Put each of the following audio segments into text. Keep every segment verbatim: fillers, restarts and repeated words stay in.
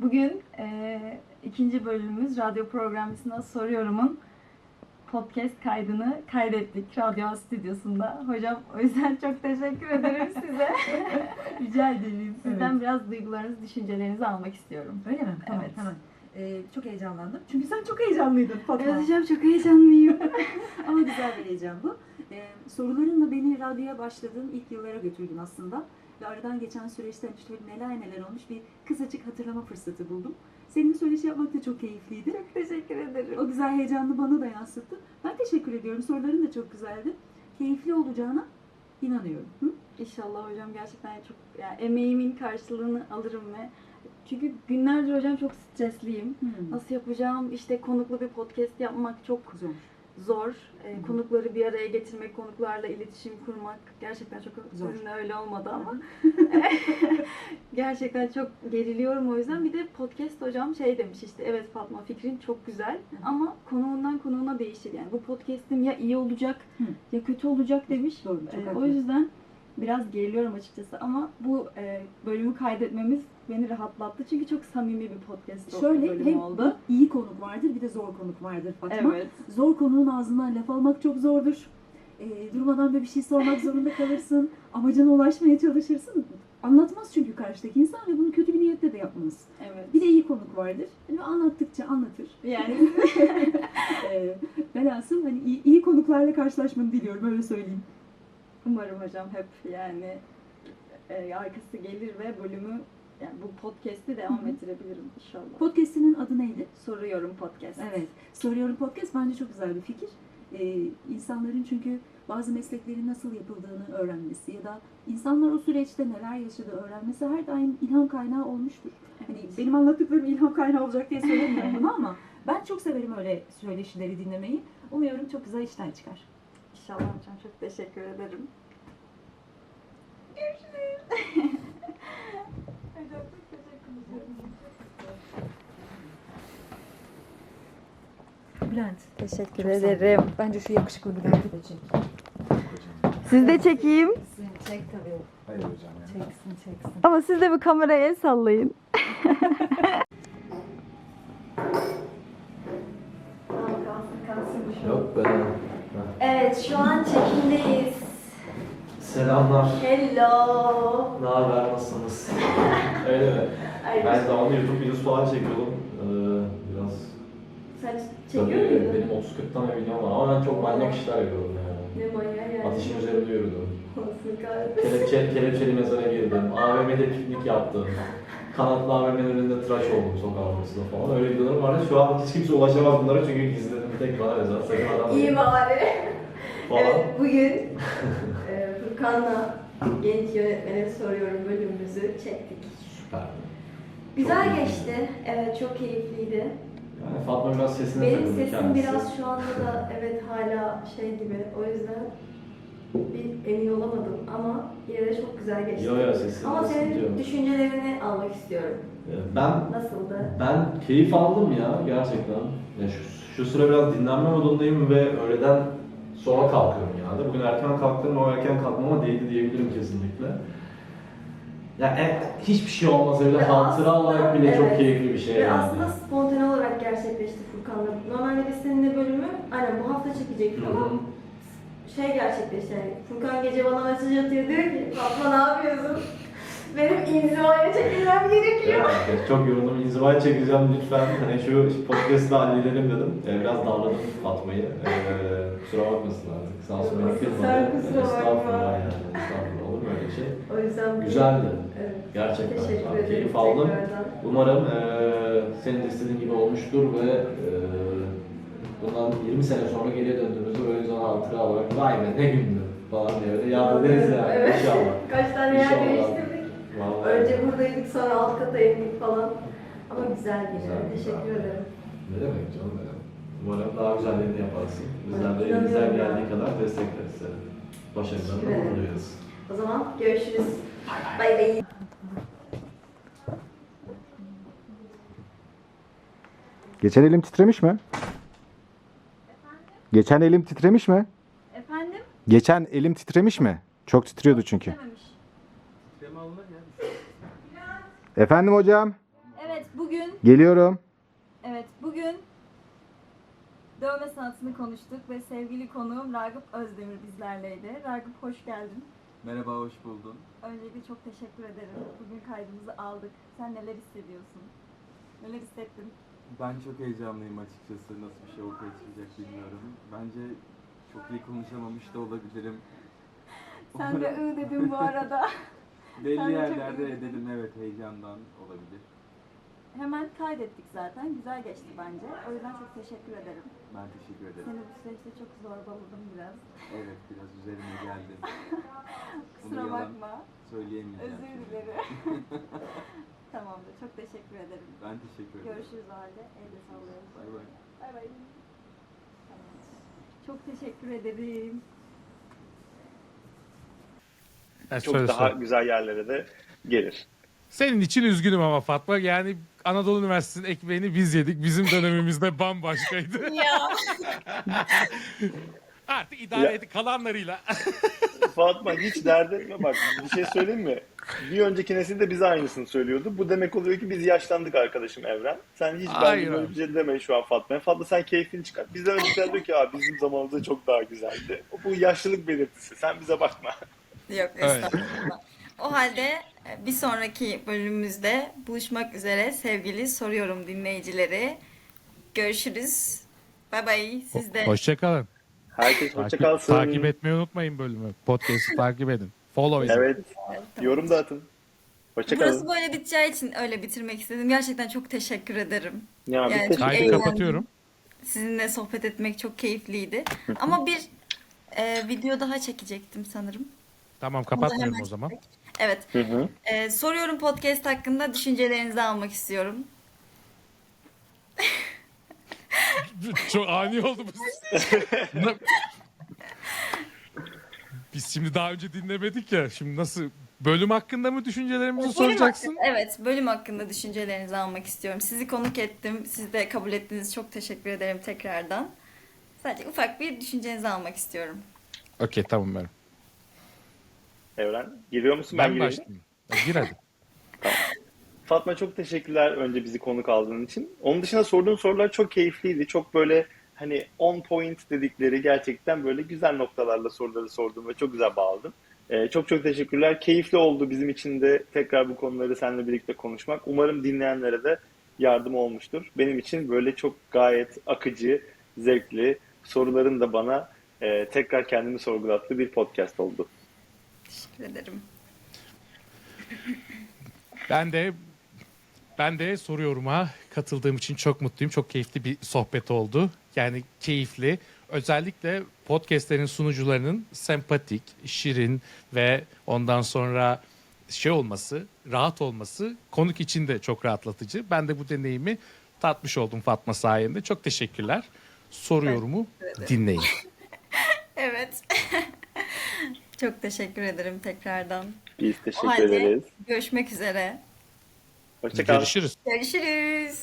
bugün e, ikinci bölümümüz Radyo Programcısına Soruyorum'un podcast kaydını kaydettik Radyo Stüdyosu'nda. Hocam o yüzden çok teşekkür ederim size. Rica ederim. Sizden evet. biraz duygularınızı, düşüncelerinizi almak istiyorum. Öyle mi? Tamam, evet. Hemen. Ee, çok heyecanlandım. Çünkü sen çok heyecanlıydın Fatma. Evet hocam, çok heyecanlıyım. Ama güzel bir heyecan bu. Ee, sorularınla beni radyoya başladığım ilk yıllara götürdün aslında. Ve aradan geçen süreçte işte neler neler olmuş bir kısacık hatırlama fırsatı buldum. Senin söyleşi yapmak da çok keyifliydi. Çok teşekkür ederim. O güzel heyecanını bana da yansıttın. Ben teşekkür ediyorum. Soruların da çok güzeldi. Keyifli olacağına inanıyorum. Hı? İnşallah hocam, gerçekten çok yani emeğimin karşılığını alırım ve çünkü günlerdir hocam çok stresliyim. Hmm. Nasıl yapacağım? İşte konuklu bir podcast yapmak çok zor. Zor. E, hmm. Konukları bir araya getirmek, konuklarla iletişim kurmak gerçekten çok zor. Sizinle öyle olmadı ama. Gerçekten çok geriliyorum o yüzden. Bir de podcast hocam şey demiş işte, evet Fatma, fikrin çok güzel ama konuğundan konuğuna değişir. Yani bu podcast'im ya iyi olacak hmm. ya kötü olacak demiş. Doğru, e, o yüzden biraz geriliyorum açıkçası ama bu e, bölümü kaydetmemiz beni rahatlattı çünkü çok samimi bir podcast Şöyle, bölüm hem oldu. iyi konuk vardır bir de zor konuk vardır Fatma. Evet. Zor konuğun ağzından laf almak çok zordur. E, durmadan böyle bir şey sormak zorunda kalırsın. Amacına ulaşmaya çalışırsın. Anlatmaz çünkü karşıdaki insan ve bunu kötü bir niyetle de yapmaz. Evet. Bir de iyi konuk vardır. Hani anlattıkça anlatır. Yani e, velhasıl hani iyi, iyi konuklarla karşılaşmanı diliyorum, öyle söyleyeyim. Umarım hocam hep yani e, arkası gelir ve bölümü, yani bu podcast'i devam Hı-hı. ettirebilirim inşallah. Podcast'inin adı neydi? Soruyorum Podcast. Evet. Soruyorum Podcast bence çok güzel bir fikir. Ee, insanların çünkü bazı mesleklerin nasıl yapıldığını öğrenmesi ya da insanlar o süreçte neler yaşadığı öğrenmesi her daim ilham kaynağı olmuştur. Evet. Hani benim anlattıklarım ilham kaynağı olacak diye söylemiyorum bunu ama ben çok severim öyle söyleşileri dinlemeyi. Umuyorum çok güzel işler çıkar. İnşallah hocam, çok teşekkür ederim. Görüşürüz. Hocam çok teşekkür ederim. Bülent. Teşekkür çok ederim. Bence şu yakışıklı Bülent'i de çek. Siz de çekeyim. Çek tabii. Hayır hocam ya. Çeksin çeksin. Ama siz de bir kameraya el sallayın. Yok be. Evet, şu an çekimdeyiz. Selamlar. Hello. Ne haber, nasılsınız? Öyle mi? Ay, Ben zamanında YouTube videosu falan çekiyordum. Ee, biraz... Sen Tabii çekiyor muydun? benim otuz kırk tane videom var ama ben çok manyak işler yapıyorum yani. Ne manyak yani. Ateşin üzerinde yürüdüm. Olsun kahretsin. Kelepçe, kelepçeli mezara girdim. A V M'de piknik yaptım. Kanatlı A V M'nin önünde tıraş oldum sokak ortasında falan. Öyle videolarım vardı. Şu an hiç kimse ulaşamaz bunlara çünkü gizledim. Tek bana özel. Sakın adam İyi bari. falan. Evet, bugün e, Furkan'la genç yönetmene soruyorum bölümümüzü çektik. Süper. Güzel Çok geçti. Evet, çok keyifliydi. Yani Fatma biraz sesine Benim takıldı sesim kendisi. biraz şu anda da evet hala şey gibi. O yüzden bir emin olamadım ama yine de çok güzel geçti. Yo yo sesin. Ama senin diyorum. düşüncelerini almak istiyorum. Ben Nasıldı? ben keyif aldım ya gerçekten. Ya şu, şu sıra biraz dinlenme modundayım ve öğleden sonra kalkıyorum genelde. Bugün erken kalktım, o erken kalkmama değdi diyebilirim kesinlikle. Ya e, hiçbir şey olmasa bile Ve hatıra aslında, olarak bile evet, çok keyifli bir şey ve yani. aslında spontane olarak gerçekleşti Furkan'la. Normalde biz seninle bölümü aynen bu hafta çekecektik ama şey gerçekleşti yani. Furkan gece bana mesaj atıyor, diyor ki Fatma ne yapıyorsun? Benim inzivaya çekilmem gerekiyor. Evet, çok yoruldum. İnzivaya çekeceğim lütfen. Hani şu podcast'ı halledelim dedim. Ee, biraz darladım Fatma'yı. Ee, kusura bakmasın artık. Sağ olsun beni kırmadı. Sen kusura bakma. Estağfurullah yani. Estağfurullah. Olur mu öyle şey? O yüzden Güzeldi. Evet. Gerçekten. Teşekkür Tamam, ederim. keyif aldım. Tekrardan. Umarım e, senin de istediğin gibi olmuştur ve e, bundan yirmi sene sonra geriye döndüğümüzde böyle güzel hatıra olarak vay be ne gündü falan diye öyle yad ederiz yani Evet. inşallah. Kaç tane yer İnşallah. değiştirdik. Vallahi. Önce buradaydık, sonra alt kata indik falan. Ama güzel bir Güzel, Teşekkür güzel. ederim. Ne demek canım benim. Umarım daha güzellerini yaparsın. Bizler de İnanıyorum elimizden ya. geldiği kadar destekleriz seni. Başarılarını Teşekkür ederim. duyuyoruz. O zaman görüşürüz. Bay bay. Geçen elim titremiş mi? Geçen elim titremiş mi? Efendim? Geçen elim titremiş mi? Çok titriyordu çünkü. Dememiş. Efendim hocam? Evet, bugün Geliyorum. Evet, bugün dövme sanatını konuştuk ve sevgili konuğum Ragıp Özdemir bizlerleydi. Ragıp hoş geldin. Merhaba, hoş buldum. Öncelikle çok teşekkür ederim. Bugün kaydımızı aldık. Sen neler hissediyorsun? Neler hissettin? Ben çok heyecanlıyım açıkçası. Nasıl bir şey ortaya çıkacak bilmiyorum. Bence çok iyi konuşamamış da olabilirim. Sen de ı dedin bu arada. Sen de Belli çok yerlerde iyi. edelim, evet, heyecandan olabilir. Hemen kaydettik zaten. Güzel geçti bence. O yüzden çok teşekkür ederim. Ben teşekkür ederim. Seni bu süreçte çok zorbaladım biraz. Evet, biraz üzerime geldi. Kusura yalan bakma. Söyleyemeyeceğim. Özür şimdi. dilerim. Tamamdır. Çok teşekkür ederim. Ben teşekkür ederim. Görüşürüz o halde. Elle sallıyoruz. Bay bay. Bay bay. Çok teşekkür ederim. Evet, Çok söyle, daha söyle. güzel yerlere de gelir. Senin için üzgünüm ama Fatma. Yani Anadolu Üniversitesi'nin ekmeğini biz yedik. Bizim dönemimizde bambaşkaydı. Ya Artık idare Ya. edip kalanlarıyla. Fatma hiç dert etme, bak bir şey söyleyeyim mi? Bir önceki nesil de bize aynısını söylüyordu. Bu demek oluyor ki biz yaşlandık arkadaşım Evren. Sen hiç Hayır bence böyle abi. bir şey deme şu an Fatma'ya. Fatma sen keyfini çıkar. Bizden öncekiler diyor ki abi bizim zamanımızda çok daha güzeldi. Bu yaşlılık belirtisi. Sen bize bakma. yok Evet. estağfurullah. O halde e, bir sonraki bölümümüzde buluşmak üzere sevgili soruyorum dinleyicileri. Görüşürüz. Bay bay. Siz de. Hoşçakalın. Herkes hoşça Takip, kalsın. takip etmeyi unutmayın bölümü. Podcast'ı takip edin. Follow edin. Evet. Yorum da atın. Hoşça Burası kalın. böyle biteceği için öyle bitirmek istedim. Gerçekten çok teşekkür ederim. Ya, biz Yani teşekkür Kaydı ederiz. eğlendim. kapatıyorum. Sizinle sohbet etmek çok keyifliydi. Ama bir e, video daha çekecektim sanırım. Tamam, Onu da kapatmıyorum hemen o zaman. çekecek. Evet. Hı hı. E, soruyorum podcast hakkında düşüncelerinizi almak istiyorum. Çok ani oldu bu. Ne- Biz şimdi daha önce dinlemedik ya. Şimdi nasıl bölüm hakkında mı düşüncelerimizi Bölüm soracaksın? hakkında- evet, bölüm hakkında düşüncelerinizi almak istiyorum. Sizi konuk ettim. Siz de kabul ettiğiniz çok teşekkür ederim tekrardan. Sadece ufak bir düşüncenizi almak istiyorum. Okey, tamam ben. Evren. Giriyor musun? Ben, Ben gireyim. başlayayım. Ya, gir hadi. Fatma çok teşekkürler önce bizi konuk aldığın için. Onun dışında sorduğun sorular çok keyifliydi. Çok böyle hani on point dedikleri gerçekten böyle güzel noktalarla soruları sordun ve çok güzel bağladın. Ee, çok çok teşekkürler. Keyifli oldu bizim için de tekrar bu konuları seninle birlikte konuşmak. Umarım dinleyenlere de yardım olmuştur. Benim için böyle çok gayet akıcı, zevkli, soruların da bana e, tekrar kendimi sorgulattığı bir podcast oldu. Teşekkür ederim. Ben de ben de soruyorum'a katıldığım için çok mutluyum. Çok keyifli bir sohbet oldu. Yani keyifli. Özellikle podcastlerin sunucularının sempatik, şirin ve ondan sonra şey olması, rahat olması konuk için de çok rahatlatıcı. Ben de bu deneyimi tatmış oldum Fatma sayende. Çok teşekkürler. Soruyorumu dinleyin. Evet. Çok teşekkür ederim tekrardan. Biz O teşekkür halde ederiz. görüşmek üzere. Hoşça kal. Görüşürüz. Görüşürüz.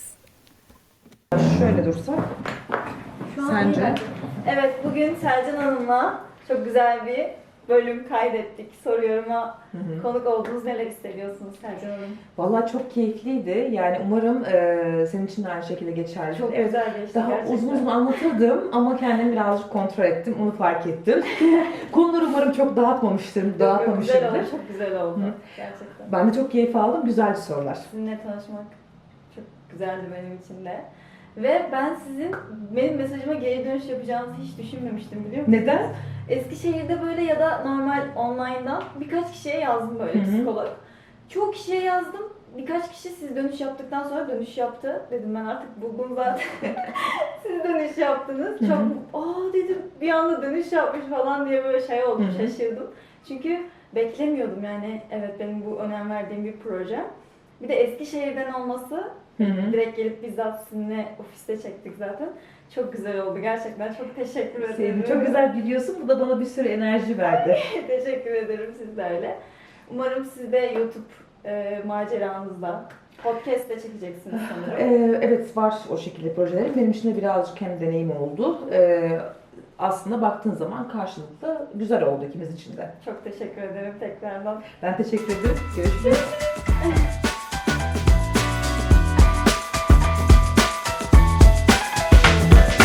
Şöyle dursak. Şu an Sence? iyi bence. Evet, bugün Selcan Hanım'la çok güzel bir bölüm kaydettik. Soruyorum'a konuk oldunuz. Neler hissediyorsunuz Selcan Hanım? Vallahi çok keyifliydi. Yani umarım e, senin için de aynı şekilde geçerli. Çok Evet, güzel geçti daha gerçekten. uzun uzun anlatırdım ama kendimi birazcık kontrol ettim. Onu fark ettim. Konuları umarım çok dağıtmamıştır, Çok güzel dağıtmamışımdır. oldu, çok güzel oldu. Hı. Gerçekten. Ben de çok keyif aldım. Güzeldi sorular. Sizinle tanışmak çok güzeldi benim için de. Ve ben sizin benim mesajıma geri dönüş yapacağınızı hiç düşünmemiştim, biliyor musunuz? Neden? Eskişehir'de böyle ya da normal online'dan birkaç kişiye yazdım böyle Hı hı. psikolog. Çoğu kişiye yazdım. Birkaç kişi siz dönüş yaptıktan sonra dönüş yaptı. Dedim ben artık buldum zaten. Siz dönüş yaptınız. Hı hı. Çok aa dedim bir anda dönüş yapmış falan diye böyle şey oldum, Hı hı. şaşırdım. Çünkü beklemiyordum yani, evet benim bu önem verdiğim bir proje. Bir de Eskişehir'den olması, Hı hı. direkt gelip bizzat sizinle ofiste çektik zaten. Çok güzel oldu gerçekten. Çok teşekkür ederim. Sevdim. Çok güzel biliyorsun. Bu da bana bir sürü enerji verdi. Teşekkür ederim, siz de öyle. Umarım siz de YouTube e, maceranızda podcast de çekeceksiniz sanırım. Ee, evet, var o şekilde projelerim. Benim için de birazcık hem deneyim oldu. Ee, aslında baktığın zaman karşılıklı güzel oldu ikimiz için de. Çok teşekkür ederim tekrardan. Ben teşekkür ederim. Görüşürüz.